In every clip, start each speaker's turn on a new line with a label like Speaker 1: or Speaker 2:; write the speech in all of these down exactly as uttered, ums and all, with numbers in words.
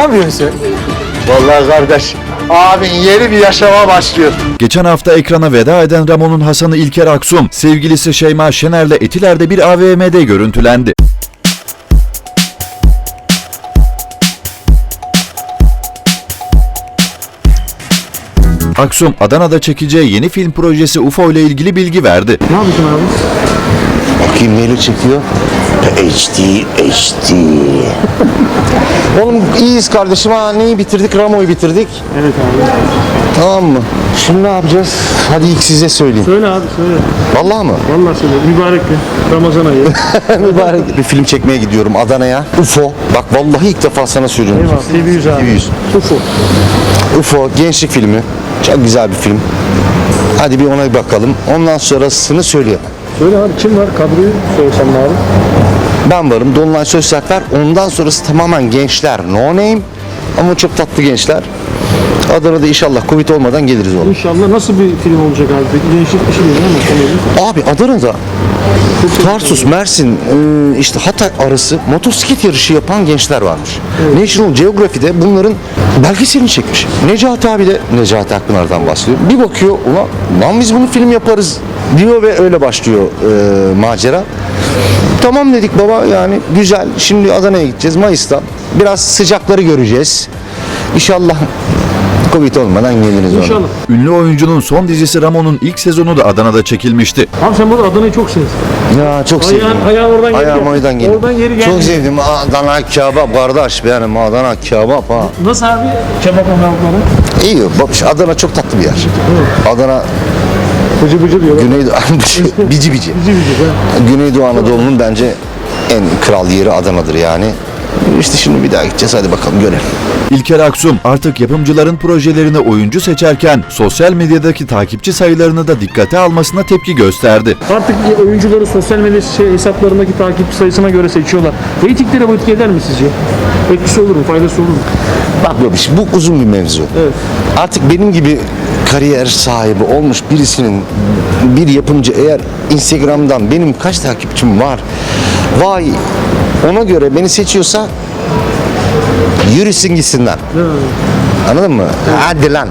Speaker 1: yapıyorsun? Vallahi kardeş, abin yeni bir yaşama başlıyor.
Speaker 2: Geçen hafta ekrana veda eden Ramon'un Hasan'ı İlker Aksum, sevgilisi Şeyma Şener'le Etiler'de bir A V M'de görüntülendi. Aksum, Adana'da çekeceği yeni film projesi U F O ile ilgili bilgi verdi.
Speaker 3: Ne yapıyorsun abi?
Speaker 1: Bakayım neyle çekiyor? H D, H D. Oğlum iyiyiz kardeşim ha. Neyi bitirdik? Ramo'yu bitirdik.
Speaker 3: Evet abi.
Speaker 1: Tamam mı? Şimdi ne yapacağız? Hadi ilk size söyleyeyim.
Speaker 3: Söyle abi söyle.
Speaker 1: Vallahi mı?
Speaker 3: Vallahi söyle. Mübarek bir Ramazan ayı.
Speaker 1: Mübarek. Bir film çekmeye gidiyorum Adana'ya. U F O. Bak vallahi ilk defa sana söylüyorum.
Speaker 3: Eyvallah. T V yüz abi.
Speaker 1: T V yüz.
Speaker 3: U F O.
Speaker 1: U F O gençlik filmi. Çok güzel bir film. Hadi bir ona bir bakalım. Ondan sonrasını söyleyemem.
Speaker 3: Söyle abi kim var? Kadroyu söylesem abi.
Speaker 1: Ben varım. Dolunay Sözsertler. Ondan sonrası tamamen gençler. No name. Ama çok tatlı gençler. Adana'da inşallah Covid olmadan geliriz oğlum.
Speaker 3: İnşallah nasıl bir film olacak abi? Peki değişik bir şey değil mi?
Speaker 1: Abi Adana'da Tarsus, Mersin, e, işte Hatay arası motosiklet yarışı yapan gençler varmış. Evet. National Geography'de bunların belgeselini çekmiş. Necati abi de, Necati Akpınar'dan bahsediyor. Bir bakıyor, ulan lan biz bunu film yaparız diyor ve öyle başlıyor e, macera. Tamam dedik baba, yani güzel. Şimdi Adana'ya gideceğiz Mayıs'ta. Biraz sıcakları göreceğiz. İnşallah Covid olmadan geliriz ona.
Speaker 3: İnşallah.
Speaker 2: Ünlü oyuncunun son dizisi Ramon'un ilk sezonu da Adana'da çekilmişti.
Speaker 3: Abi sen burada Adana'yı çok sevdin.
Speaker 1: Ya çok sevdim.
Speaker 3: Ayağın, ayağın oradan geri
Speaker 1: Ayağım
Speaker 3: geldi.
Speaker 1: oradan geliyor.
Speaker 3: Oradan geri geldi.
Speaker 1: Çok sevdim. Adana kebap kardeş benim. Adana kebap ha.
Speaker 3: Nasıl abi kebap anlamları?
Speaker 1: İyi. Bak Adana çok tatlı bir yer. Adana
Speaker 3: Bıcı bıcı diyorlar.
Speaker 1: Güneydoğu bici bici.
Speaker 3: Bıcı bıcı.
Speaker 1: Güneydoğu Anadolu'nun bence en kral yeri Adana'dır yani. İşte şimdi bir daha gideceğiz. Hadi bakalım görelim.
Speaker 2: İlker Aksum artık yapımcıların projelerine oyuncu seçerken sosyal medyadaki takipçi sayılarını da dikkate almasına tepki gösterdi.
Speaker 3: Artık oyuncuları sosyal medya şey, hesaplarındaki takipçi sayısına göre seçiyorlar. Reytinglere bu etki eder mi sizce? Etkisi olur mu? Faydası olur mu?
Speaker 1: Bak babiş, bu uzun bir mevzu.
Speaker 3: Evet.
Speaker 1: Artık benim gibi kariyer sahibi olmuş birisinin, bir yapımcı eğer Instagram'dan benim kaç takipçim var, vay ona göre beni seçiyorsa yürüsün gitsinler. Anladın mı? Hadi lan.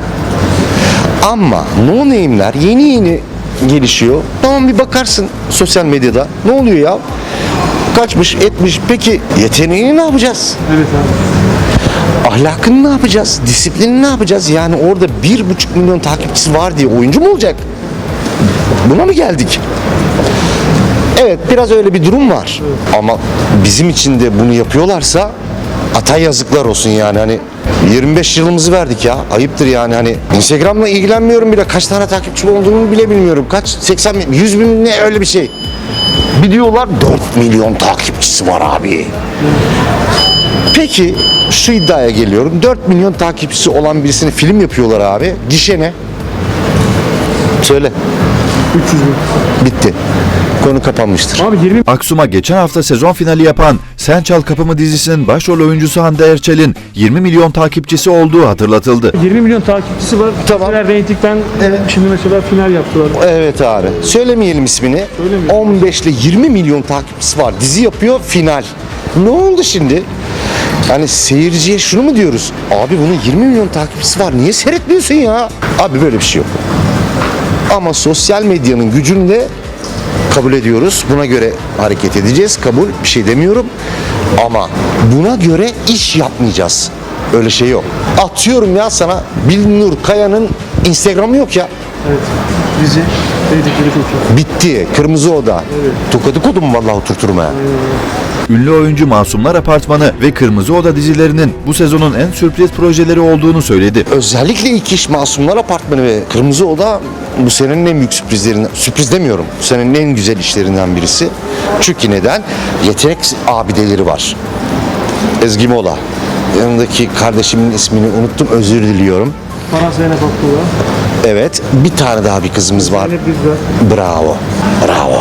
Speaker 1: Ama no name'ler yeni yeni gelişiyor. Tamam bir bakarsın sosyal medyada. Ne oluyor ya? Kaçmış etmiş. Peki yeteneğini ne yapacağız?
Speaker 3: Evet abi.
Speaker 1: Ahlakını ne yapacağız? Disiplini ne yapacağız? Yani orada bir buçuk milyon takipçisi var diye oyuncu mu olacak? Buna mı geldik? Evet biraz öyle bir durum var. Ama bizim için de bunu yapıyorlarsa ata yazıklar olsun yani. Hani yirmi beş yılımızı verdik ya. Ayıptır yani. Hani Instagram'la ilgilenmiyorum bile. Kaç tane takipçi olduğunu bile bilmiyorum. Kaç? seksen bin, yüz bin ne öyle bir şey. Bir diyorlar dört milyon takipçisi var abi. Peki şu iddiaya geliyorum. dört milyon takipçisi olan birisini film yapıyorlar abi. Gişe ne? Söyle.
Speaker 3: üç yüz bin.
Speaker 1: Bitti. Konu kapanmıştır.
Speaker 3: Abi yirmi
Speaker 2: Aksum'a geçen hafta sezon finali yapan Sen Çal Kapımı dizisinin başrol oyuncusu Hande Erçel'in yirmi milyon takipçisi olduğu hatırlatıldı.
Speaker 3: yirmi milyon takipçisi var.
Speaker 1: Tamam.
Speaker 3: Mesela reytingden
Speaker 1: Evet.
Speaker 3: şimdi mesela final yaptılar.
Speaker 1: Evet abi. Söylemeyelim ismini.
Speaker 3: Söylemeyelim.
Speaker 1: on beş ile yirmi milyon takipçisi var. Dizi yapıyor final. Ne oldu şimdi? Yani seyirciye şunu mu diyoruz? Abi bunun yirmi milyon takipçisi var. Niye seyretmiyorsun ya? Abi böyle bir şey yok. Ama sosyal medyanın gücünü de kabul ediyoruz. Buna göre hareket edeceğiz. Kabul. Bir şey demiyorum. Ama buna göre iş yapmayacağız. Öyle şey yok. Atıyorum ya sana Bilnur Kaya'nın Instagram'ı yok ya.
Speaker 3: Evet. Dizi reytingleri çok iyi.
Speaker 1: Bitti. Kırmızı Oda. Evet. Tokadı kodum vallahi oturturum ha.
Speaker 2: Ünlü oyuncu Masumlar Apartmanı ve Kırmızı Oda dizilerinin bu sezonun en sürpriz projeleri olduğunu söyledi.
Speaker 1: Özellikle ilk iş Masumlar Apartmanı ve Kırmızı Oda bu senenin en büyük sürprizlerinden, sürpriz demiyorum, bu senenin en güzel işlerinden birisi. Çünkü neden? Yetenek abideleri var. Ezgi Mola. Yanındaki kardeşimin ismini unuttum, özür diliyorum.
Speaker 3: Para Zeynep Abdullah.
Speaker 1: Evet, bir tane daha bir kızımız var.
Speaker 3: Zeynep Düzdar.
Speaker 1: Bravo, bravo.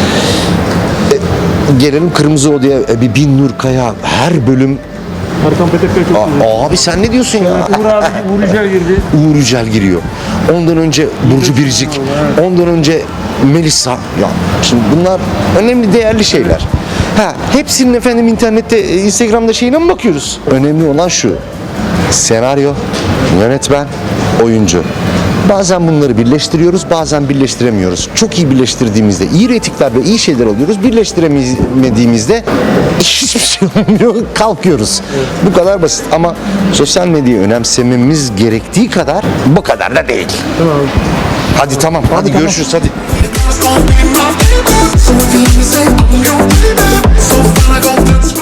Speaker 1: E, gelelim Kırmızı Oda'ya, e, bir Binnur Kaya, her bölüm.
Speaker 3: Erkan Petekkaya çok iyi.
Speaker 1: Aa, abi sen ne diyorsun ya?
Speaker 3: Uğur abi, Uğur Yücel girdi.
Speaker 1: Uğur Yücel giriyor. Ondan önce Burcu Biricik. Ondan önce Melisa. Ya şimdi bunlar önemli, değerli şeyler. Ha, hepsinin efendim internette, Instagram'da şeyine mi bakıyoruz? Önemli olan şu. senaryo, yönetmen, oyuncu. Bazen bunları birleştiriyoruz, bazen birleştiremiyoruz. Çok iyi birleştirdiğimizde iyi reytingler ve iyi şeyler alıyoruz. Birleştiremediğimizde hiçbir şey olmuyor, kalkıyoruz. Bu kadar basit ama sosyal medyayı önemsememiz gerektiği kadar bu kadar da değil.
Speaker 3: Tamam abi.
Speaker 1: Hadi tamam, hadi,
Speaker 3: tamam.
Speaker 1: görüşürüz hadi.
Speaker 4: So if you say I'm your baby, so fine I gon' flex